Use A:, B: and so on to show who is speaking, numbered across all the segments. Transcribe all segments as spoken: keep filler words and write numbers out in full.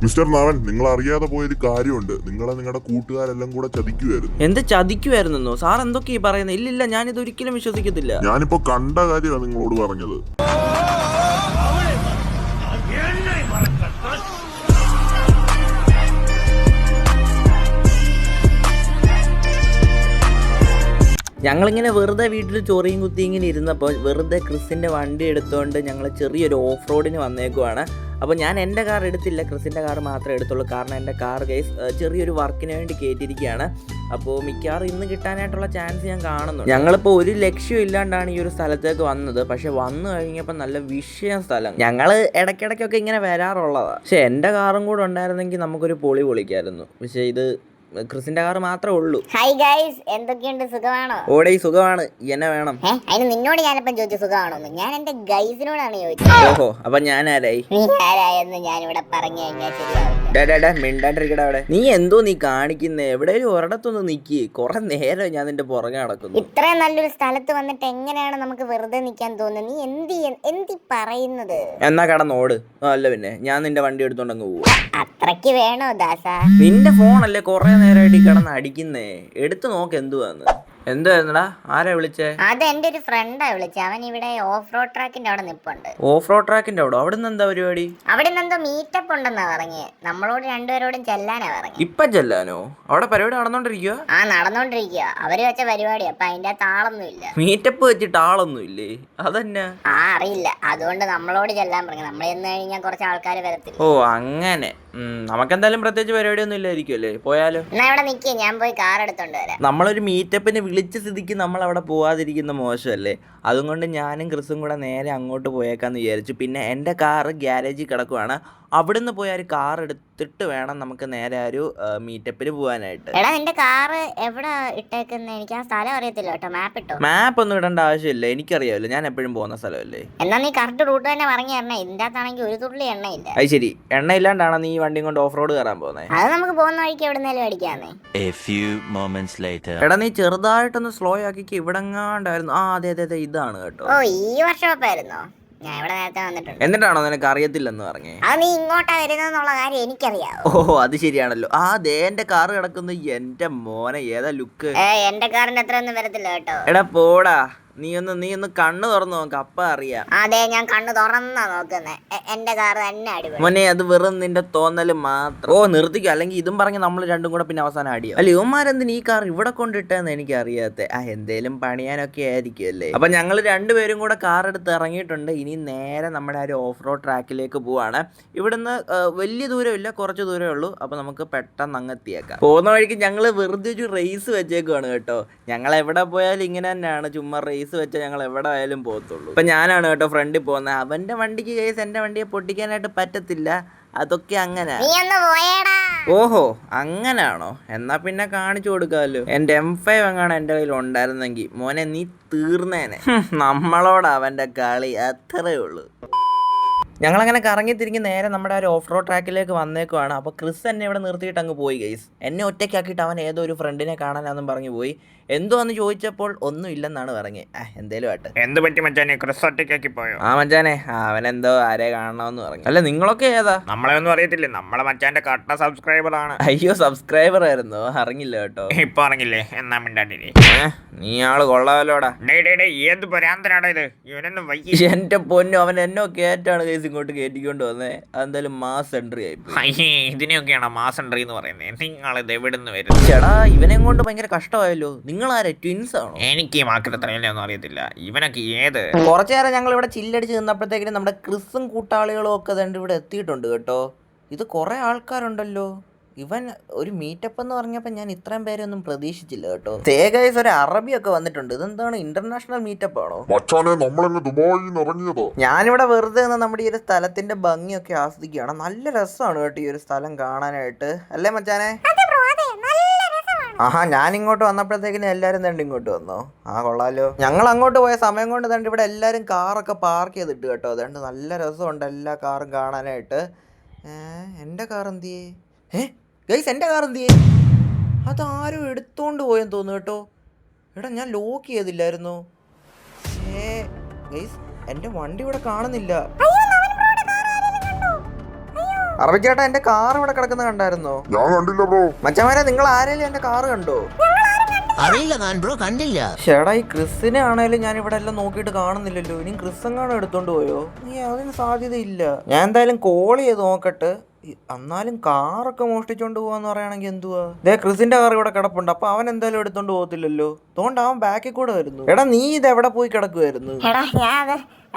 A: Mister നാവൻ, നിങ്ങൾ അറിയാതെ പോയൊരു കാര്യമുണ്ട്. നിങ്ങളെ നിങ്ങളുടെ കൂട്ടുകാരെല്ലാം കൂടെ ചതിക്കുമായിരുന്നു.
B: എന്ത് ചതിക്കുമായിരുന്നോ? സാർ എന്തൊക്കെയാ പറയുന്നത്? ഇല്ലില്ല, ഞാനിത് ഒരിക്കലും വിശ്വസിക്കത്തില്ല.
A: ഞാനിപ്പോ കണ്ട കാര്യമാണ് നിങ്ങളോട് പറഞ്ഞത്.
B: ഞങ്ങളിങ്ങനെ വെറുതെ വീട്ടിൽ ചൊറിയും കുത്തി ഇങ്ങനെ ഇരുന്നപ്പോൾ വെറുതെ ക്രിസിൻ്റെ വണ്ടി എടുത്തുകൊണ്ട് ഞങ്ങൾ ചെറിയൊരു ഓഫ് റോഡിന് വന്നേക്കുവാണ്. അപ്പോൾ ഞാൻ എൻ്റെ കാർ എടുത്തില്ല, ക്രിസിൻ്റെ കാർ മാത്രമേ എടുത്തുള്ളൂ. കാരണം എൻ്റെ കാർ ഗൈസ് ചെറിയൊരു വർക്കിന് വേണ്ടി കയറ്റിയിരിക്കുകയാണ്. അപ്പോൾ മിക്കവാറും ഇന്ന് കിട്ടാനായിട്ടുള്ള ചാൻസ് ഞാൻ കാണുന്നു. ഞങ്ങളിപ്പോൾ ഒരു ലക്ഷ്യം ഇല്ലാണ്ടാണ് ഈ ഒരു സ്ഥലത്തേക്ക് വന്നത്. പക്ഷെ വന്നു കഴിഞ്ഞപ്പോൾ നല്ല വിഷയം സ്ഥലം. ഞങ്ങൾ ഇടയ്ക്കിടയ്ക്കൊക്കെ ഇങ്ങനെ വരാറുള്ളതാണ്. പക്ഷെ എൻ്റെ കാറും കൂടെ ഉണ്ടായിരുന്നെങ്കിൽ നമുക്കൊരു പൊളി പൊളിക്കായിരുന്നു. പക്ഷേ ഇത് ക്രിസിന്റെ കാർ മാത്രമേ ഉള്ളൂ.
C: ഹായ് ഗൈസ്, എന്തൊക്കെയുണ്ട്? സുഖമാണോ?
B: ഓടേ സുഖമാണ്. എന്നെ വേണം?
C: അതിന് നിന്നോട് ഞാനിപ്പം ചോദിച്ചു സുഖമാണോന്ന്. ഞാൻ എന്റെ ഗൈസിനോടാണ് ചോദിച്ചത്.
B: ഓഹോ, അപ്പൊ ഞാൻ ആരായി?
C: നീ ആരായെന്ന് ഞാനിവിടെ പറഞ്ഞു കഴിഞ്ഞാൽ ശരിയാവില്ല.
B: മിണ്ടാണ്ടിരിക്കട അവിടെ. നീ എന്തോ നീ കാണിക്കുന്നേ? എവിടെയും ഒരിടത്തൊന്ന് നിക്കി. കുറെ നേരം ഞാൻ നിന്റെ പുറകെ നടക്കുന്നു.
C: ഇത്രയും നല്ലൊരു സ്ഥലത്ത് വന്നിട്ട് എങ്ങനെയാണ് നമുക്ക് വെറുതെ നിൽക്കാൻ തോന്നുന്നത്? നീ എന്തി എന്തി പറയുന്നത്?
B: എന്നാ കടന്നോട്. അല്ല പിന്നെ ഞാൻ നിന്റെ വണ്ടി എടുത്തോണ്ടങ്ങ് പോവും.
C: അത്രയ്ക്ക് വേണോ ദാസ?
B: നിന്റെ ഫോണല്ലേ കുറെ നേരമായിട്ട് കിടന്ന് അടിക്കുന്നേ. എടുത്തു നോക്ക് എന്തുവാന്ന്. എന്തായിരുന്നടാ? ആരാ വിളിച്ചേ?
C: അത് എന്റെ ഒരു ഫ്രണ്ടാ വിളിച്ചത്. അവൻ ഇവിടെ ഓഫ് റോഡ് ട്രാക്കിന്റെ അവിടെ നിപ്പുണ്ട്.
B: ഓഫ് റോഡ് ട്രാക്കിന്റെ അവിടെ? അവിടെ നിന്ന് എന്താ പരിപാടി?
C: അവിടെ നിന്ന് എന്തോ മീറ്റപ്പ് ഉണ്ടെന്നാ പറഞ്ഞേ. നമ്മളോട് രണ്ടുപേരോടും ചെല്ലാനാ പറഞ്ഞു.
B: ഇപ്പൊ ചെല്ലാനോ? അവിടെ പരിപാടി നടന്നോണ്ടിരിക്കുക?
C: ആ നടന്നോണ്ടിരിക്കുക. അവര് വെച്ച പരിപാടി. അപ്പൊ അതിന്റെ താളൊന്നും ഇല്ല.
B: മീറ്റപ്പ് വെച്ചിട്ട് ആളൊന്നും ഇല്ലേ? അതന്നെ.
C: ആ അറിയില്ല. അതുകൊണ്ട് നമ്മളോട് ചെല്ലാൻ പറഞ്ഞു. നമ്മൾ ചെന്ന് കഴിഞ്ഞാൽ കുറച്ച് ആൾക്കാർ വരത്തില്ല.
B: ഓ അങ്ങനെ. നമുക്കെന്തായാലും പ്രത്യേകിച്ച് പരിപാടിയൊന്നും ഇല്ലായിരിക്കും അല്ലേ? പോയാലോ?
C: എന്നാ ഇവിടെ നിൽക്കേ, ഞാൻ പോയി കാർ എടുത്തോണ്ട് വരാം.
B: നമ്മളൊരു മീറ്റപ്പിന് വിളിച്ച സ്ഥിതിക്ക് നമ്മൾ അവിടെ പോവാതിരിക്കുന്ന മോശമല്ലേ? അതുകൊണ്ട് ഞാനും ക്രിസും കൂടെ നേരെ അങ്ങോട്ട് പോയേക്കാന്ന് വിചാരിച്ചു. പിന്നെ എൻ്റെ കാറ് ഗ്യാരേജിൽ കിടക്കുവാണ്. അവിടുന്ന് പോയി ഒരു കാർ എടുത്തിട്ട് വേണം നമുക്ക് നേരെ ഒരു മീറ്റപ്പിന് പോകാനായിട്ട്.
C: എടാ, നിന്റെ കാറ് എവിടെ ഇട്ടേക്കുന്ന? എനിക്ക് ആ സ്ഥലം അറിയത്തില്ല കേട്ടോ. മാപ്പ് ഇട്ടോ?
B: മാപ്പ് ഒന്നും ഇടേണ്ട ആവശ്യമില്ല, എനിക്കറിയാമല്ലോ. ഞാൻ എപ്പോഴും പോകുന്ന സ്ഥലമല്ലേ.
C: എന്നാ നീ കറക്റ്റ് റൂട്ട് തന്നെ പറഞ്ഞു തരണേ. ഇതിന്റെ അകത്താണെങ്കിൽ ഒരു തുള്ളി എണ്ണയില്ല.
B: അത് ശരി, എണ്ണ ഇല്ലാണ്ടാണ് നീ വണ്ടിയും കൊണ്ട് ഓഫ് റോഡ് കയറാൻ പോകുന്നത്?
C: അത് നമുക്ക് പോകുന്ന വഴിക്ക് എവിടുന്നേലും അടിക്കാന്നേ.
B: എടാ, നീ ചെറുതായിട്ടൊന്ന് സ്ലോ ആക്കിക്ക്. ഇവിടെങ്ങാണ്ടായിരുന്നു. ആ അതെ അതെ അതെ, ഇതാണ് കേട്ടോ.
C: ഓ, ഈ വർഷമായിരുന്നോ? ഞാൻ ഇവിടെ നേരത്തെ വന്നിട്ടുണ്ട്.
B: എന്നിട്ടാണോ നിനക്ക് അറിയത്തില്ലെന്ന് പറഞ്ഞേ?
C: അത് നീ ഇങ്ങോട്ടാ വരുന്നുള്ള കാര്യം എനിക്കറിയാം.
B: ഓ അത് ശരിയാണല്ലോ. ആ ദേ എന്റെ കാറ് കിടക്കുന്നു. എന്റെ മോനെ, ഏതാ ലുക്ക്!
C: ഏ എന്റെ കാറിന്റെ അത്ര ഒന്നും വരത്തില്ല കേട്ടോ.
B: എടാ പോടാ, നീ ഒന്ന് നീ ഒന്ന് കണ്ണ് തുറന്നു നോക്ക്, അപ്പ അറിയാം.
C: അതെ, ഞാൻ കണ്ണ് തുറന്നാ നോക്കുന്നേ. എന്റെ കാറ് തന്നെ അടിപൊളി.
B: മോനെ, അത് വെറും നിന്റെ തോന്നല് മാത്രം. ഓ നിർത്തിക്കും, അല്ലെങ്കിൽ ഇതും പറഞ്ഞ് നമ്മൾ രണ്ടും കൂടെ പിന്നെ അവസാനം അടിയോ. അല്ല, ഇവന്മാരെന്തിന് ഈ കാർ ഇവിടെ കൊണ്ടിട്ടെന്ന് എനിക്ക് അറിയാത്ത. ആ എന്തേലും പണിയാനൊക്കെ ആയിരിക്കും അല്ലേ. അപ്പൊ ഞങ്ങൾ രണ്ടുപേരും കൂടെ കാർ എടുത്ത് ഇറങ്ങിയിട്ടുണ്ട്. ഇനി നേരെ നമ്മുടെ ആ ഒരു ഓഫ് റോഡ് ട്രാക്കിലേക്ക് പോവാണ്. ഇവിടുന്ന് വലിയ ദൂരമില്ല, കുറച്ച് ദൂരമേ ഉള്ളൂ. അപ്പൊ നമുക്ക് പെട്ടെന്ന് അങ്ങ് എത്തിയേക്കാം. പോകുന്ന വഴിക്ക് ഞങ്ങൾ വെറുതെ ഒരു റേസ് വെച്ചേക്കുവാണ് കേട്ടോ. ഞങ്ങൾ എവിടെ പോയാലും ഇങ്ങനെ തന്നെയാണ്, ചുമ്മാ റേസ് വെച്ചാൽ ഞങ്ങൾ എവിടെ ആയാലും പോകത്തുള്ളൂ. ഇപ്പൊ ഞാനാണ് കേട്ടോ ഫ്രണ്ടിൽ പോകുന്നത്. അവന്റെ വണ്ടിക്ക് കേസ് എന്റെ വണ്ടിയെ പൊട്ടിക്കാനായിട്ട് പറ്റത്തില്ല. അതൊക്കെ അങ്ങനെ. ഓഹോ, അങ്ങനാണോ? എന്നാ പിന്നെ കാണിച്ചു കൊടുക്കാമല്ലോ. എന്റെ എം ഫൈവ് എങ്ങാണ് എന്റെ കയ്യിൽ ഉണ്ടായിരുന്നെങ്കിൽ മോനെ നീ തീർന്നേനെ. നമ്മളോട് അവന്റെ കളി അത്രേ ഉള്ളൂ. ഞങ്ങളങ്ങനെ കറങ്ങി തിരിഞ്ഞ് നേരെ നമ്മുടെ ഒരു ഓഫ് റോഡ് ട്രാക്കിലേക്ക് വന്നേക്കുവാണ്. അപ്പോൾ ക്രിസ് എന്നെ ഇവിടെ നിർത്തിയിട്ട് അങ്ങ് പോയി ഗൈസ്. എന്നെ ഒറ്റയ്ക്കാക്കിയിട്ട് അവൻ ഏതോ ഒരു ഫ്രണ്ടിനെ കാണാനാന്നും പറഞ്ഞു പോയി. എന്തോ എന്ന് ചോദിച്ചപ്പോൾ ഒന്നും ഇല്ലെന്നാണ് പറഞ്ഞത്. ആ എന്തേലും ആട്ടെ.
D: എന്ത് പറ്റി മച്ചാനെ? ക്രിസ് ഒറ്റയ്ക്കാക്കി പോയോ?
B: ആ മച്ചാനെ, അവനെന്തോ ആരെ കാണണമെന്ന് പറഞ്ഞു. അല്ല നിങ്ങളൊക്കെ ഏതാ?
D: നമ്മളെ ഒന്നും അറിയത്തില്ലേ, നമ്മളെ മച്ചാന്റെ കട്ട സബ്സ്ക്രൈബർ ആണ്.
B: അയ്യോ, സബ്സ്ക്രൈബർ ആയിരുന്നോ? അറിഞ്ഞില്ല കേട്ടോ.
D: ഇപ്പൊ അറിഞ്ഞില്ലേ? എന്നാ മിണ്ടാണ്ടിരി.
B: നീ ആള് കൊള്ളാമല്ലോടാ.
D: ഏത് പരാന്തരാടോ ഇത്? ഇവനൊന്നും വൈകി.
B: എന്റെ പൊന്നു, അവൻ എന്നോ കേറ്റാണ് കേസ് ഇങ്ങോട്ട് കയറ്റിക്കൊണ്ട് വന്നേ. അതെന്തായാലും മാസ് എൻട്രി ആയി.
D: അയ്യേ, ഇതിനെയൊക്കെയാണ് മാസ് എൻട്രി എന്ന് പറയുന്നത്. നിങ്ങളിത് എവിടുന്ന് വരും?
B: ചേടാ, ഇവനെ കൊണ്ട് ഭയങ്കര കഷ്ടമായല്ലോ. നിങ്ങളാരെ ട്വിൻസ് ആണോ?
D: എനിക്ക് ഈ മാക്കത്രയല്ലേ ഒന്നും അറിയത്തില്ല. ഇവനൊക്കെ ഏത്?
B: കുറച്ചു നേരം ഞങ്ങൾ ഇവിടെ ചില്ലടിച്ച് നിന്നപ്പോഴത്തേക്കിനും നമ്മുടെ ക്രിസും കൂട്ടാളികളും ഒക്കെ തന്നെ ഇവിടെ എത്തിയിട്ടുണ്ട് കേട്ടോ. ഇത് കുറെ ആൾക്കാരുണ്ടല്ലോ. ഇവൻ ഒരു മീറ്റപ്പ് എന്ന് പറഞ്ഞപ്പോൾ ഞാൻ ഇത്രയും പേരെ ഒന്നും പ്രതീക്ഷിച്ചില്ല കേട്ടോ. തേഗൈസ്, ഒരു അറബിയൊക്കെ വന്നിട്ടുണ്ട്. ഇതെന്താണ്, ഇന്റർനാഷണൽ മീറ്റപ്പ് ആണോ? ഞാനിവിടെ വെറുതെ നിന്ന് നമ്മുടെ ഈ ഒരു സ്ഥലത്തിന്റെ ഭംഗിയൊക്കെ ആസ്വദിക്കുകയാണ്. നല്ല രസമാണ് കേട്ടോ ഈ ഒരു സ്ഥലം കാണാനായിട്ട്, അല്ലേ മച്ചാനെ? ആഹാ, ഞാൻ ഇങ്ങോട്ട് വന്നപ്പോഴത്തേക്കിനും എല്ലാവരും തണ്ട് ഇങ്ങോട്ട് വന്നോ? ആ കൊള്ളാലോ. ഞങ്ങൾ അങ്ങോട്ട് പോയ സമയം കൊണ്ട് തണ്ട് ഇവിടെ എല്ലാവരും കാറൊക്കെ പാർക്ക് ചെയ്തിട്ട് കേട്ടോ. അതുകൊണ്ട് നല്ല രസമുണ്ട് എല്ലാ കാറും കാണാനായിട്ട്. ഏഹ് എൻ്റെ കാർ എന്തിയേ? ഏ ഗൈസ്, എൻ്റെ കാർ എന്തിയേ? അതാരും എടുത്തോണ്ട് പോയെന്ന് തോന്നുന്നു കേട്ടോ. എടാ, ഞാൻ ലോക്ക് ചെയ്തില്ലായിരുന്നു. ഏ ഗൈസ്, എൻ്റെ വണ്ടി ഇവിടെ കാണുന്നില്ല. അറബിച്ചേട്ടാ എന്റെ കാർ ഇവിടെ കിടക്കുന്ന കണ്ടായിരുന്നോ?
A: ഞാൻ കണ്ടില്ല ബ്രോ.
B: മച്ചമാരെ നിങ്ങൾ ആരെങ്കിലും എന്റെ കാർ കണ്ടോ?
E: അറിയില്ല ഞാൻ ബ്രോ, കണ്ടില്ല.
B: ചേട്ടാ ഈ ക്രിസിനെ ആണേലും ഞാൻ ഇവിടെ എല്ലാം നോക്കിയിട്ട് കാണുന്നില്ലല്ലോ. ഇനി ക്രിസ് എങ്ങാനും എടുത്തോണ്ട് പോയോ? ഈ അതിന് സാധ്യതയില്ല. ഞാൻ എന്തായാലും കോൾ ചെയ്ത് നോക്കട്ടെ. എന്നാലും കാറൊക്കെ മോഷ്ടിച്ചോണ്ട് പോവാന്ന് പറയുകയാണെങ്കിൽ എന്തുവാ? ദേ ക്രിസിന്റെ കാർ ഇവിടെ കിടപ്പുണ്ട്. അപ്പൊ അവൻ എന്തായാലും എടുത്തോണ്ട് പോകത്തില്ലല്ലോ. അതുകൊണ്ട് അവൻ ബാക്കിൽ കൂടെ വരുന്നു. എടാ നീ ഇത് എവിടെ പോയി കിടക്കുവായിരുന്നു?
C: എടാ ഞാൻ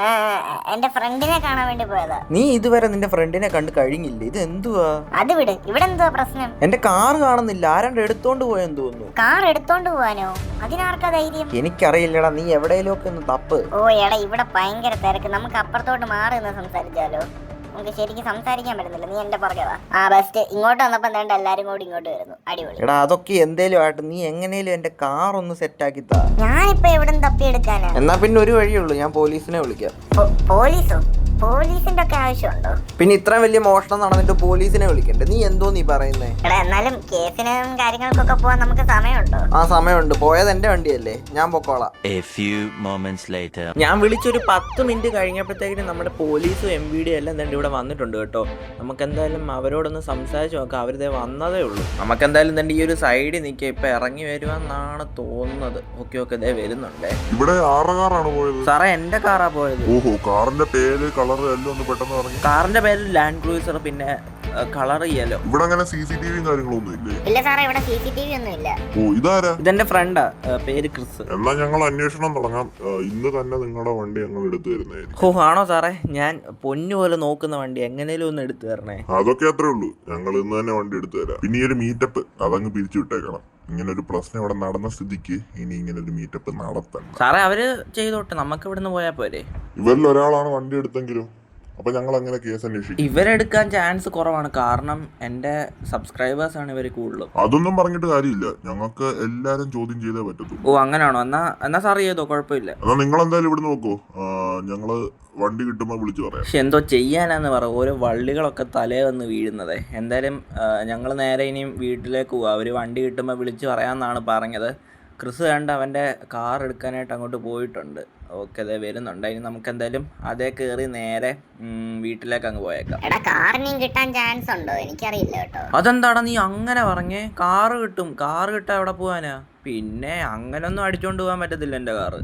C: എന്റെ ഫ്രണ്ടിനെ കാണാൻ വേണ്ടി പോയതാ.
B: നീ ഇതുവരെ നിന്റെ ഫ്രണ്ടിനെ കണ്ട് കഴിഞ്ഞില്ലേ? ഇത് എന്തുവാ?
C: അത് വിട്, ഇവിടെ എന്തുവാ പ്രശ്നം?
B: എന്റെ കാർ കാണുന്നില്ല. ആരാണ്ട് എടുത്തോണ്ട് പോയെന്ന് തോന്നുന്നു.
C: കാർ എടുത്തോണ്ട് പോവാനോ? അതിനാർക്കാ ധൈര്യം?
B: എനിക്കറിയില്ലടാ, നീ എവിടെയെങ്കിലും ഒക്കെ ഒന്ന് തപ്പ്.
C: ഓ എടാ ഇവിടെ ഭയങ്കര തിരക്ക്. നമുക്ക് അപ്പുറത്തോട്ട് മാറി നിന്ന് സംസാരിച്ചാലോ? നമുക്ക് ശരിക്കും സംസാരിക്കാൻ പറ്റുന്നില്ല. നീ എന്റെ പുറകെ വാ. ആ ബെസ്റ്റ്. ഇങ്ങോട്ട് വന്നപ്പോ എന്താണ്ട് എല്ലാരും കൂടി ഇങ്ങോട്ട് വരുന്നു. അടിപൊളി.
B: എടാ അതൊക്കെ എന്തേലും ആയിട്ട് നീ എങ്ങനെയും എന്റെ കാർ ഒന്ന് സെറ്റ് ആക്കി താ.
C: ഞാനിപ്പോ എവിടെ തപ്പിയെടുക്കാനാ?
B: എന്നാ പിന്നെ ഒരു വഴിയുള്ളൂ, ഞാൻ പോലീസിനെ വിളിക്കാം.
C: പോലീസോ? പോലീസിന്റെ ഒക്കെ ആവശ്യമുണ്ടോ?
B: പിന്നെ ഇത്രയും വലിയ മോഷണം നടന്നിട്ട് പോലീസിനെ വിളിക്കണ്ടേ? നീ എന്തോ നീ പറയുന്നേ?
C: എടാ എന്നാലും കേസിനും കാര്യങ്ങൾക്കൊക്കെ പോവാൻ നമുക്ക് സമയമുണ്ടോ?
B: ആ സമയമുണ്ട്. പോയത് എന്റെ വണ്ടിയല്ലേ, ഞാൻ പൊക്കോളാം.
F: A few moments later.
B: ഞാൻ വിളിച്ചൊരു പത്ത് മിനിറ്റ് കഴിഞ്ഞപ്പോഴത്തേക്കിനും നമ്മുടെ പോലീസും എം വി ഡി എല്ലാം തന്നെ ഇവിടെ വന്നിട്ടുണ്ട് കേട്ടോ. നമുക്ക് എന്തായാലും അവരോടൊന്ന് സംസാരിച്ച് നോക്കാം. അവരിതേ വന്നതേ ഉള്ളൂ. നമുക്ക് എന്തായാലും തന്നെ ഈ ഒരു സൈഡിൽ നിൽക്കുക. ഇപ്പൊ ഇറങ്ങി വരുമെന്നാണ് തോന്നുന്നത്. ഓക്കെ ഓക്കെ ഇതേ വരുന്നുണ്ടേ.
A: ഇവിടെ ആറ് കാറാണ് പോയത്.
B: സാറേ എന്റെ കാറാ പോയത്.
A: ഓഹോ, കാറിന്റെ പേര് കളർ എല്ലാം ഒന്ന് പെട്ടെന്ന് പറഞ്ഞു.
B: കാറിന്റെ പേര് ലാൻഡ് ക്രൂസർ, പിന്നെ കളർ യെല്ലോ.
A: ഇവിടെ അങ്ങനെ സി സി ടി വിയും കാര്യങ്ങളൊന്നും ഇല്ലേ?
C: ഇല്ല സാറേ, ഇവിടെ സി സി ടി വി ഒന്നും ഇല്ല.
A: ഓ ഇതാരാ?
B: ഇതെന്റെ ഫ്രണ്ടാ, പേര് ക്രിസ്.
A: എന്നാ ഞങ്ങൾ അന്വേഷണം തുടങ്ങാം. ഇന്ന് തന്നെ നിങ്ങളുടെ വണ്ടി ഞങ്ങൾ എടുത്തു തരുന്നതായിരിക്കും.
B: ഓ ആണോ സാറേ? ഞാൻ പൊന്നു പോലെ നോക്കുന്ന വണ്ടി എങ്ങനെയും ഒന്ന് എടുത്തു തരണേ.
A: അതൊക്കെ അത്രേ ഉള്ളൂ. ഞങ്ങൾ ഇന്ന് തന്നെ വണ്ടി എടുത്തു തരാം. പിന്നെ ഈ ഒരു മീറ്റപ്പ് അതങ്ങ് പിരിച്ചു വിട്ടേക്കണം. ഇങ്ങനെ ഒരു പ്രശ്നം ഇവിടെ നടന്ന സ്ഥിതിക്ക് ഇനി ഇങ്ങനെ ഒരു മീറ്റപ്പ് നടത്തണം.
B: സാറേ അവര് ചെയ്തോട്ടെ, നമുക്ക് ഇവിടുന്ന് പോയാൽ പോരെ.
A: ഇവരിൽ ഒരാളാണ് വണ്ടി എടുത്തെങ്കിലും അപ്പൊ ഞങ്ങൾ അങ്ങനെ കേസ് അന്വേഷിക്കും.
B: ഇവരെടുക്കാൻ ചാൻസ് കുറവാണ്, കാരണം എന്റെ സബ്സ്ക്രൈബേഴ്സ് ആണ് ഇവര് കൂടുതലും.
A: അതൊന്നും പറഞ്ഞിട്ട് കാര്യമില്ല, ഞങ്ങൾക്ക് എല്ലാരും ചോദ്യം ചെയ്തേ പറ്റത്തുള്ളൂ.
B: ഓ അങ്ങനാണോ? എന്നാ എന്നാ സാർ ചെയ്തോ, കുഴപ്പമില്ല.
A: എന്നാ നിങ്ങൾ എന്തായാലും ഇവിടെ നോക്കൂ. ഞങ്ങള് വണ്ടി കിട്ടുമ്പോ വിളിച്ചു പറയാം.
B: പക്ഷെ എന്തോ ചെയ്യാനാന്ന് പറ, ഓരോ വള്ളികളൊക്കെ തലേ വന്ന് വീഴുന്നത്. എന്തായാലും ഞങ്ങൾ നേരെ ഇനിയും വീട്ടിലേക്ക് പോവാം. അവര് വണ്ടി കിട്ടുമ്പോൾ വിളിച്ച് പറയാമെന്നാണ് പറഞ്ഞത്. ക്രിസ് കണ്ട് അവൻ്റെ കാർ എടുക്കാനായിട്ട് അങ്ങോട്ട് പോയിട്ടുണ്ട്. ഓക്കെ അതെ വരുന്നുണ്ട്. ഇനി നമുക്ക് എന്തായാലും അതേ കയറി നേരെ വീട്ടിലേക്ക് അങ്ങ് പോയേക്കാം.
C: എടാ കാറിനും കിട്ടാൻ ചാൻസ് ഉണ്ടോ? എനിക്കറിയില്ല കേട്ടോ.
B: അതെന്താടാ നീ അങ്ങനെ പറഞ്ഞേ? കാറ് കിട്ടും. കാറ് കിട്ടാൻ എവിടെ പോവാനാ? പിന്നെ അങ്ങനൊന്നും അടിച്ചോണ്ട് പോകാൻ പറ്റത്തില്ല എൻ്റെ കാറ്.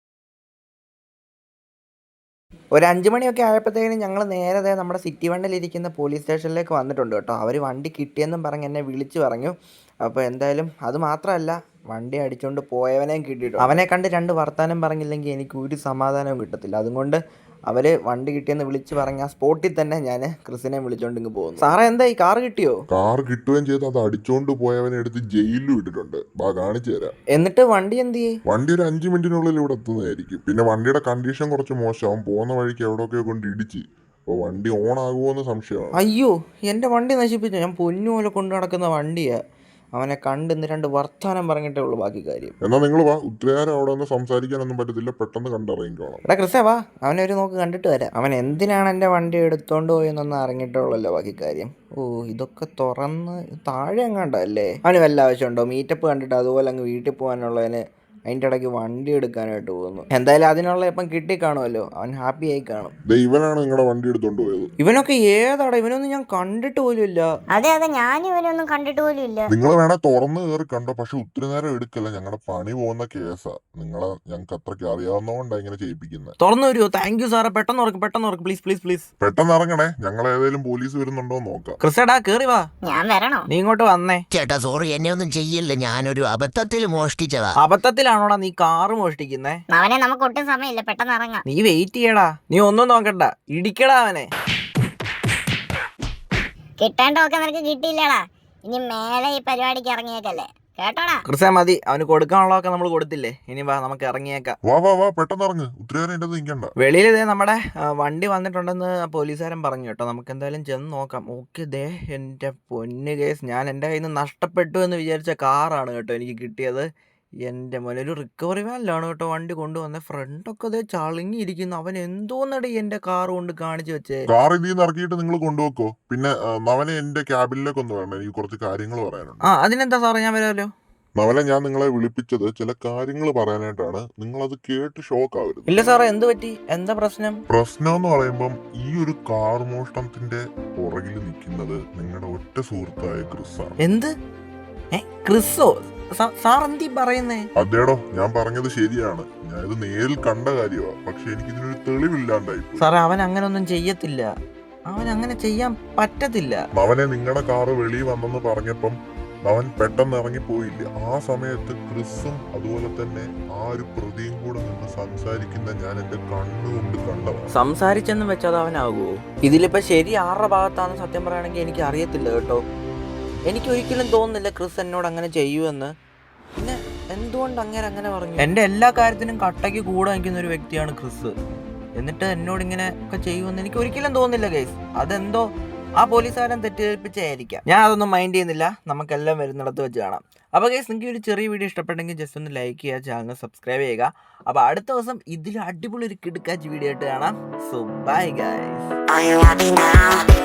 B: ഒരു അഞ്ച് മണിയൊക്കെ ആയപ്പോഴത്തേക്കും ഞങ്ങൾ നേരെ നമ്മുടെ സിറ്റി വണ്ടിലിരിക്കുന്ന പോലീസ് സ്റ്റേഷനിലേക്ക് വന്നിട്ടുണ്ട് കേട്ടോ. അവർ വണ്ടി കിട്ടിയെന്നും പറഞ്ഞ് എന്നെ വിളിച്ചു പറഞ്ഞു. അപ്പോൾ എന്തായാലും അത് മാത്രമല്ല, വണ്ടി അടിച്ചുകൊണ്ട് പോയവനെയും കിട്ടിയിട്ടു. അവനെ കണ്ട് രണ്ട് വർത്താനം പറഞ്ഞില്ലെങ്കിൽ എനിക്ക് ഒരു സമാധാനവും കിട്ടത്തില്ല. അതുകൊണ്ട് അവർ വണ്ടി കിട്ടിയെന്ന് വിളിച്ച് പറഞ്ഞ ആ സ്പോട്ടിൽ തന്നെ ഞാൻ ക്രിസിനെ വിളിച്ചോണ്ട് ഇങ്ങ് പോകുന്നു. സാറേ എന്താ ഈ കാർ കിട്ടിയോ?
A: കാർ കിട്ടുകയും ചെയ്ത് അത് അടിച്ചോണ്ട് പോയവനെ എടുത്ത് ജയിലിലും ഇട്ടിട്ടുണ്ട്. ബാ കാണിച്ചു തരാം.
B: എന്നിട്ട് വണ്ടി എന്ത് ചെയ്യും?
A: വണ്ടി ഒരു അഞ്ചു മിനിറ്റിനുള്ളിൽ ഇവിടെ എത്തുന്നതായിരിക്കും. പിന്നെ വണ്ടിയുടെ കണ്ടീഷൻ കുറച്ച് മോശമാവും. പോകുന്ന വഴിക്ക് എവിടെയൊക്കെ കൊണ്ട് ഇടിച്ച്. അപ്പോൾ വണ്ടി ഓൺ ആകുമോന്ന് സംശയമാണ്.
B: അയ്യോ എൻ്റെ വണ്ടി നശിപ്പിച്ചു. ഞാൻ പൊന്നുപോലെ കൊണ്ടു നടക്കുന്ന വണ്ടിയാ. അവനെ കണ്ട് ഇന്ന് രണ്ട് വർത്താനം പറഞ്ഞിട്ടേ ഉള്ളൂ ബാക്കി കാര്യം.
A: എന്നാ നിങ്ങൾ വാ, ഉത്തരവാരം അവിടെ ഒന്ന് സംസാരിക്കാനൊന്നും പറ്റത്തില്ല, പെട്ടെന്ന് കണ്ടിറങ്ങിക്കോണം.
B: എടാ ക്രിസേ വാ, അവനെ ഒരു നോക്ക് കണ്ടിട്ട് വരാം. അവൻ എന്തിനാണ് എൻ്റെ വണ്ടി എടുത്തോണ്ട് പോയെന്നൊന്നും അറിഞ്ഞിട്ടുള്ളല്ലോ ബാക്കി കാര്യം. ഓ ഇതൊക്കെ തുറന്ന് താഴെ എങ്ങാണ്ടല്ലേ. അവന് വല്ല ആവശ്യമുണ്ടോ? മീറ്റപ്പ് കണ്ടിട്ട് അതുപോലെ അങ്ങ് വീട്ടിൽ പോകാനുള്ളതിന് അതിൻ്റെ ഇടയ്ക്ക് വണ്ടി എടുക്കാനായിട്ട് പോകുന്നു. എന്തായാലും അതിനുള്ള ഇപ്പം കിട്ടിക്കാണുമല്ലോ, അവൻ ഹാപ്പി ആയി കാണും.
A: ഇവനാണ് നിങ്ങളുടെ വണ്ടി എടുത്തോണ്ട് പോയത്.
B: ഇവനൊക്കെ ഏതാടാ? ഇവനൊന്നും ഞാൻ കണ്ടിട്ട് പോലും ഇല്ല.
C: അതെ അതെ, ഞാനും ഇവനൊന്നും കണ്ടിട്ട് പോലും ഇല്ല.
A: നിങ്ങൾ വേണേ തുറന്ന് കയറി കണ്ടോ, പക്ഷെ ഒത്തിരി നേരം എടുക്കല്ല. ഞങ്ങളുടെ പണി പോകുന്ന കേസാ. നിങ്ങളെ ഞങ്ങൾക്ക് അത്രയ്ക്ക് അറിയാവുന്നതുകൊണ്ടാണ് ഇങ്ങനെ ചെയ്യിപ്പിക്കുന്നത്.
B: തുറന്നു വരുമോ? താങ്ക് യു സാറേ. പെട്ടെന്ന് ഉറക്കും, പെട്ടെന്ന് ഉറക്കും, പ്ലീസ് പ്ലീസ് പ്ലീസ്.
A: പെട്ടെന്ന് ഇറങ്ങണേ, ഞങ്ങൾ ഏതെങ്കിലും പോലീസ് വരുന്നുണ്ടോ നോക്കാം.
B: ക്രിസേടാ കേറി വാ.
C: ഞാൻ വരണോ?
B: നീ ഇങ്ങോട്ട് വന്നേ.
E: ചേട്ടാ സോറി, എന്നെ ഒന്നും ചെയ്യില്ല, ഞാനൊരു അബദ്ധത്തിൽ മോഷ്ടിച്ചതാ.
B: അബദ്ധത്തിലാണോടാ നീ കാറ് മോഷ്ടിക്കുന്നേ?
C: അവനെ നമുക്ക് ഒട്ടും സമയമില്ല, പെട്ടെന്ന് ഇറങ്ങാം.
B: നീ വെയിറ്റ് ചെയ്യടാ. നീ ഒന്നും നോക്കണ്ട, ഇടിക്കടാ അവനെ.
C: കിട്ടേണ്ടതൊക്കെ നിനക്ക് കിട്ടിയില്ലടാ. ഇനി മേലെ ഈ പരിപാടിക്ക് ഇറങ്ങിയേക്കല്ലേ, കേട്ടോടാ?
B: ക്രിസേ മതി, അവന് കൊടുക്കാനുള്ളതൊക്കെ നമ്മൾ കൊടുത്തില്ലേ. ഇനി വാ നമുക്ക് ഇറങ്ങിയേക്കാം.
A: വാ വാ വാ, പെട്ടെന്ന് ഇറങ്ങ്. ഉത്തരവാരം എൻ്റെ നിൽക്കണ്ട.
B: വെളിയിൽ ഇതേ നമ്മുടെ വണ്ടി വന്നിട്ടുണ്ടെന്ന് പോലീസുകാരൻ പറഞ്ഞു കേട്ടോ. നമുക്ക് എന്തായാലും ചെന്ന് നോക്കാം. ഓക്കെ ദേ എൻ്റെ പൊന്ന് കേസ്, ഞാൻ എൻ്റെ കയ്യിൽ നിന്ന് നഷ്ടപ്പെട്ടു എന്ന് വിചാരിച്ച കാറാണ് കേട്ടോ എനിക്ക് കിട്ടിയത്. എൻ്റെ മോനെ ഒരു റിക്കവറി വാനിലാണ് കേട്ടോ വണ്ടി കൊണ്ടുവന്നത്. ഫ്രണ്ടൊക്കെ അതേ ചളിങ്ങിയിരിക്കുന്നു. അവൻ എന്തോന്നടി എൻ്റെ കാർ കൊണ്ട് കാണിച്ചു വെച്ചേ.
A: കാർ ഇതിൽ നിന്ന് ഇറക്കിയിട്ട് നിങ്ങൾ കൊണ്ടുവെക്കോ. പിന്നെ അവനെ എൻ്റെ ക്യാബിനിലേക്ക് ഒന്ന് വേണം, എനിക്ക് കുറച്ച് കാര്യങ്ങൾ പറയാനുണ്ട്.
B: ആ അതിനെന്താ സാറേ, ഞാൻ വരാമല്ലോ.
A: നവലെ ഞാൻ നിങ്ങളെ വിളിപ്പിച്ചത് ചില കാര്യങ്ങൾ പറയാനായിട്ടാണ്. നിങ്ങളത് കേട്ട് ഷോക്ക് ആവരുത്.
B: ഇല്ല സാറേ, എന്ത് പറ്റി? എന്താ പ്രശ്നം?
A: പ്രശ്നം എന്ന് പറയുമ്പം ഈ ഒരു കാർ മോഷണത്തിന്റെ പുറകിൽ നിൽക്കുന്നത് നിങ്ങളുടെ ഒറ്റ സുഹൃത്തായ ക്രിസാണ്.
B: എന്ത്? ഏ ക്രിസോ? സാർ എന്തി പറയുന്നേ?
A: അതേടോ, ഞാൻ പറഞ്ഞത് ശരിയാണ്. ഞാൻ ഇത് നേരിൽ കണ്ട കാര്യമാണ്. പക്ഷെ എനിക്ക് ഇതിനൊരു തെളിവില്ലാണ്ടായി.
B: സാറേ, അവൻ അങ്ങനെ ഒന്നും ചെയ്യത്തില്ല. അവൻ അങ്ങനെ ചെയ്യാൻ പറ്റത്തില്ല.
A: അവനെ നിങ്ങളുടെ കാറ് വെളിയിൽ വന്നെന്ന് പറഞ്ഞപ്പം അവൻ പെട്ടെന്ന് ഇറങ്ങി പോയില്ല. ആ സമയത്ത് ക്രിസും അതുപോലെ തന്നെ ആ ഒരു പ്രതിയും കൂടെ നിന്ന് സംസാരിക്കുന്ന ഞാൻ എന്റെ കണ്ണുകൊണ്ട് കണ്ടതാണ്.
B: സംസാരിച്ചെന്ന് വെച്ചാൽ അവനാകുമോ? ഇതിലിപ്പോ ശരി ആരുടെ ഭാഗത്താണെന്ന് സത്യം പറയുകയാണെങ്കിൽ എനിക്ക് അറിയത്തില്ല കേട്ടോ. എനിക്ക് ഒരിക്കലും തോന്നുന്നില്ല ക്രിസ് എന്നോട് അങ്ങനെ ചെയ്യുമെന്ന്. പിന്നെ എന്തുകൊണ്ട് അങ്ങനെ അങ്ങനെ പറഞ്ഞു? എന്റെ എല്ലാ കാര്യത്തിനും കട്ടയ്ക്ക് കൂടെ നിൽക്കുന്ന ഒരു വ്യക്തിയാണ് ക്രിസ്. എന്നിട്ട് എന്നോട് ഇങ്ങനെ ഒക്കെ ചെയ്യുമെന്ന് എനിക്ക് ഒരിക്കലും തോന്നുന്നില്ല ഗൈസ്. അതെന്തോ ആ പോലീസുകാരൻ തെറ്റിദ്ധരിപ്പിച്ചായിരിക്കാം. ഞാൻ അതൊന്നും മൈൻഡ് ചെയ്യുന്നില്ല. നമുക്കെല്ലാം വരുന്നിടത്ത് വെച്ച് കാണാം. അപ്പോൾ ഗൈസ്, നിങ്ങൾക്ക് ഒരു ചെറിയ വീഡിയോ ഇഷ്ടപ്പെട്ടെങ്കിൽ ജസ്റ്റ് ഒന്ന് ലൈക്ക് ചെയ്യുക, ചാനൽ സബ്സ്ക്രൈബ് ചെയ്യുക. അപ്പോൾ അടുത്ത ദിവസം ഇതിൽ അടിപൊളി ഒരു കിടുക്കാച്ച് വീഡിയോ ആയിട്ട് കാണാം. So bye guys.